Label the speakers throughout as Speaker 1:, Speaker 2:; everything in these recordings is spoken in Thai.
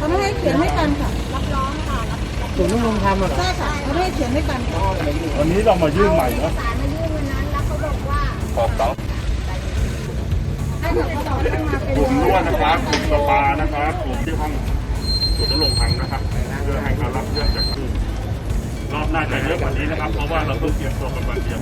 Speaker 1: เขาไม่ให้เขียนให้กันค่ะรับรองค่ะ
Speaker 2: ศูนย์ดำรงธรรมใช่
Speaker 1: ค่ะเขาไม่ให้เขียนให้กัน
Speaker 3: วันนี้เรามายื่นใหม่เนาะ
Speaker 4: ศาลมายื่นวันนั้นแล้วเขาบอกว่า
Speaker 3: ขอบต้อง
Speaker 1: ให้เขาบอกให้มาเป็น
Speaker 3: กลุ่มนวดนะครับกลุ่มสปานะครับกลุ่มที่ห้องศูนย์ดำรงธรรมนะครับเพื่อให้เขารับเรื่องจากที่รอบหน้าจะเยอะกว่านี้นะครับเพราะว่าเราต้องเตรียมตัวกันวันเดียว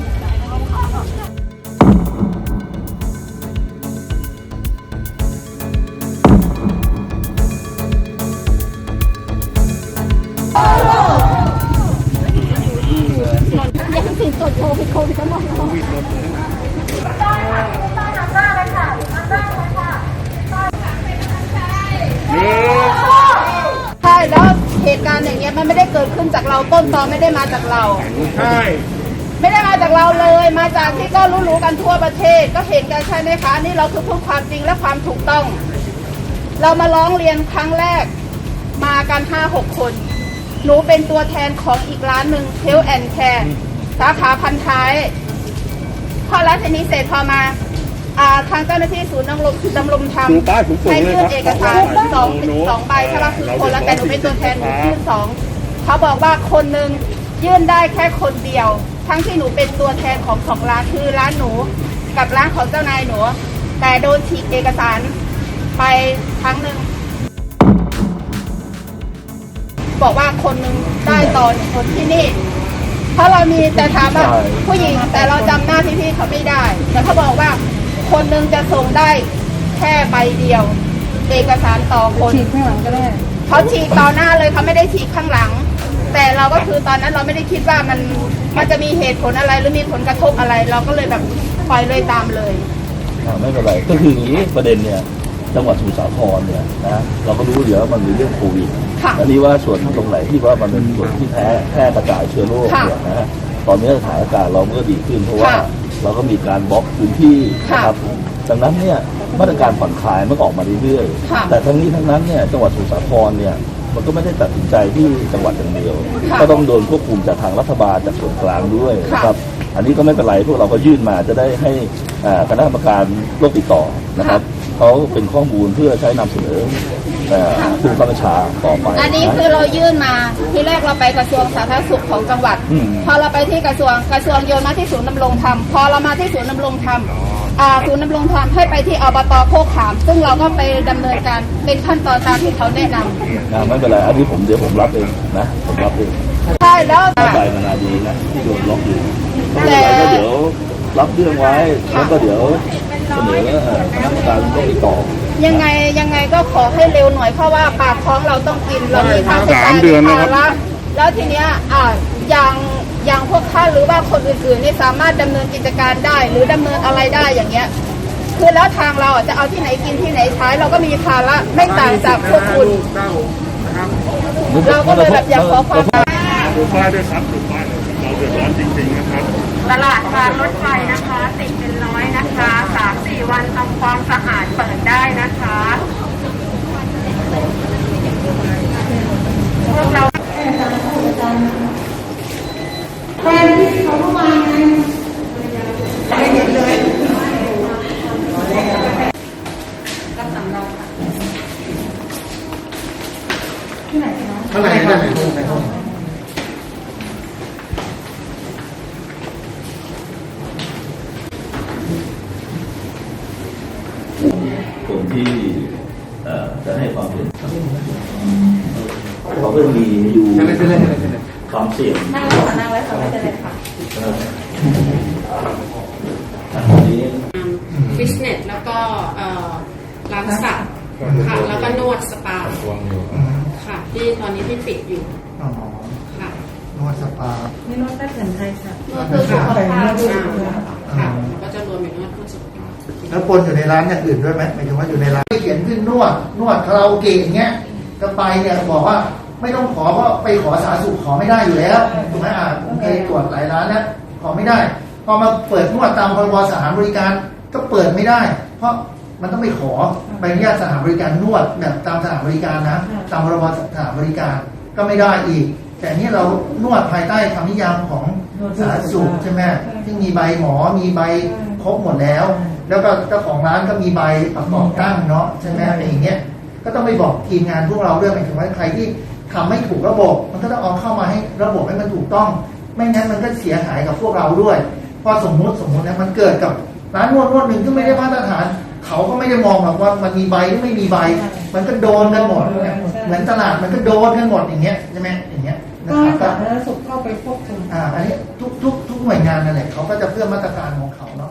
Speaker 4: ยังติดตรวจโควิดก็มองใช่แล้วเหตุการณ์อย่างเงี้ยมันไม่ได้เกิดขึ้นจากเราต้นตอไม่ได้มาจากเรา
Speaker 3: ใช่
Speaker 4: ไม่ได้มาจากเราเลยมาจากที่ก็รู้กันทั่วประเทศก็เห็นกันใช่ไหมคะนี่เราคือพูดความจริงและความถูกต้องเรามาร้องเรียนครั้งแรกมากัน 5-6 คนหนูเป็นตัวแทนของอีกร้านหนึ่งเทลแอนด์แคร์สาขาพันท้ายพอร้านนี้เสร็จพอมาทางเจ้าหน้าที่ศูนย์ดำรงธรรมให้ยื่นเอกสารสองใบใช่ไหมคือคนละแต่หนูเป็นตัวแทนหนูยื่น2เขาบอกว่าคนหนึ่งยื่นได้แค่คนเดียวทั้งที่หนูเป็นตัวแทนของร้านคือร้านหนูกับร้านของเจ้านายหนูแต่โดนฉีกเอกสารไปครั้งหนึ่งบอกว่าคนหนึ่งได้ต่อคนที่นี่เพราะเรามีแต่ถามว่าผู้หญิงแต่เราจำหน้าพี่ๆเขาไม่ได้แต่เขาบอกว่าคนหนึ่งจะส่งได้แค่ใบเดียวเอกสารต่อคน
Speaker 1: ฉีกข้างหลังก็ได้
Speaker 4: เขาฉีกต่อหน้าเลยเขาไม่ได้ฉีกข้างหลังแต่เราก็คือตอนนั้นเราไม่ได้คิดว่ามันจะมีเหตุผลอะไรหรือมีผลกระทบอะไรเราก็เลยแบบปล่อยเลยตามเลย
Speaker 2: ไม่เป็นไรก็คืออย่างนี้ประเด็นเนี่ยจังหวัดสมุทรสาครเนี่ยนะเราก็รู้อยู่แล้วมันมีเรื่องโควิดอันนี้ว่าส่วนตรงไหนที่ว่ามันเป็นส่วนที่แพร่กระจายเชื้อโรคเนี่ยนะตอนนี้สถานการณ์เราก็ดีขึ้นเพราะว่าเราก็มีการบล็อกพื้นที่นะครับดังนั้นเนี่ยมาตรการผ่อนคลายมันออกมาเรื่อยๆแต่ทั้งนี้ทั้งนั้นเนี่ยจังหวัดสมุทรสาครเนี่ยมันก็ไม่ได้ตัดสินใจที่จังหวัดอย่างเดียวก็ต้องโดนควบคุมจากทางรัฐบาลจากส่วนกลางด้วยนะครับอันนี้ก็ไม่เป็นไรพวกเราก็ยื่นมาจะได้ให้คณะกรรมการโรคติดต่อนะครับเขาเป็นข้อมูลเพื่อใช้นำเสนอผู้บังคับบัญชาต่อไป
Speaker 4: อันนี้คือเรายื่นมาที่แรกเราไปกระทรวงสาธารณสุขของจังหวัดพอเราไปที่กระทรวงโยนมาที่ศูนย์ดำรงธรรมพอเรามาที่ศูนย์ดำรงธรรมศูนย์ดำรงธรรมให้ไปที่อบต.โคกขามซึ่งเราก็ไปดำเนินการเป็นขั้นตอนตามที่เขาแนะนำ
Speaker 2: ไม่เป็นไรอันนี้เดี๋ยวผมรับเองนะผมรับเอง
Speaker 4: ใช่แล้ว
Speaker 2: ใจมันนาดีนะที่โดนล็อกอยู่แต่ก็เดี๋ยวรับเรื่องไว้แล้วก็เดี๋ยวเสนอคณะกรรมการก็ติดต่อ
Speaker 4: ยังไงก็ขอให้เร็วหน่อยเพราะว่าปากท้องเราต้องกินเรามีค่าใช้จ่ายแล้วทีเนี้ยอย่างพวกท่านหรือว่าคนอื่นๆนี่สามารถดำเนินกิจการได้หรือดำเนินอะไรได้อย่างเงี้ยคือแล้วทางเราจะเอาที่ไหนกินที่ไหนใช้เราก็มีภาระไม่ต่างจากพวกคุณเราก็เลยแบบอยากขอความ
Speaker 3: ดูป้ายด้วยครับดูป้ายเราเดือดร้อนจริงๆนะครับ
Speaker 4: ตลาดการรถไฟนะคะติดเป็นร้อยนะคะ 3-4 วันทำความสะอาดเปิดได้นะคะพวกเรา
Speaker 1: แฟนที่เขาเข้ามาไงไม่เห็นเลยรับสำรองที่ไหนคะข้างในห้อง
Speaker 2: คนที่จะให้ความเห็นเขาก็มีอยู่ความเสี่ยง
Speaker 4: นั่งไว้ค่ะไม่เป็นไรค่ะฟิตเนสแล้วก็ร้านสัตว์ค่ะแล้วก็นวดสปาค่ะที่ตอนนี้ที่ปิดอยู่ค่ะ
Speaker 1: นวดสปาไม่นวดแค่แผนไทยค่ะนวด
Speaker 4: คือสุขภาพค่ะก็จะรวมอยู่นวดเพื่อสุขภาพ
Speaker 1: แล้วปนอยู่ในร้านอย่างอื่นด้วยไหมหมายถึงว่าอยู่ในร้านเขียนขึ้นนวดคาราโอเกะอย่างเงี้ยก็ไปเนี่ยบอกว่าไม่ต้องขอเพราะไปขอสาธารณสุขขอไม่ได้อยู่แล้วถูกไหมโอเคตรวจหลายร้านนะขอไม่ได้พอมาเปิดนวดตามพรบสถานบริการก็เปิดไม่ได้เพราะมันต้องไปขอใบอนุญาตสถานบริการนวดแบบตามสถานบริการนะตามพรบสถานบริการก็ไม่ได้อีกแต่นี่เรานวดภายใต้คำนิยามของสาธารณสุขใช่ไหมที่มีใบหมอมีใบครบหมดแล้วก็เจ้าของร้านก็มีใบประกอบตั้งเนาะใช่ไหมอะไรอย่างเงี้ยก็ต้องไปบอกทีมงานพวกเราด้วยหมายถึงว่าใครที่ทำไม่ถูกระบบมันก็ต้องเอาเข้ามาให้ระบบให้มันถูกต้องไม่งั้นมันก็เสียหายกับพวกเราด้วยพอสมมุตินะมันเกิดกับร้านนวดหนึ่งที่ไม่ได้มาตรฐานเขาก็ไม่ได้มองหรอกว่ามันมีใบหรือไม่มีใบมันก็โดนกันหมดเหมือนตลาดมันก็โดนกันหมดอย่างเงี้ยใช่ไหมอย่างเงี้ยนะ
Speaker 5: ก็
Speaker 1: ครับ
Speaker 5: สาธารณสุขเข้าไปควบคุม
Speaker 1: อันนี้ทุกหน่วยงานนั่นแหละเขาก็จะเพื่อมาตรการของเขาเนาะ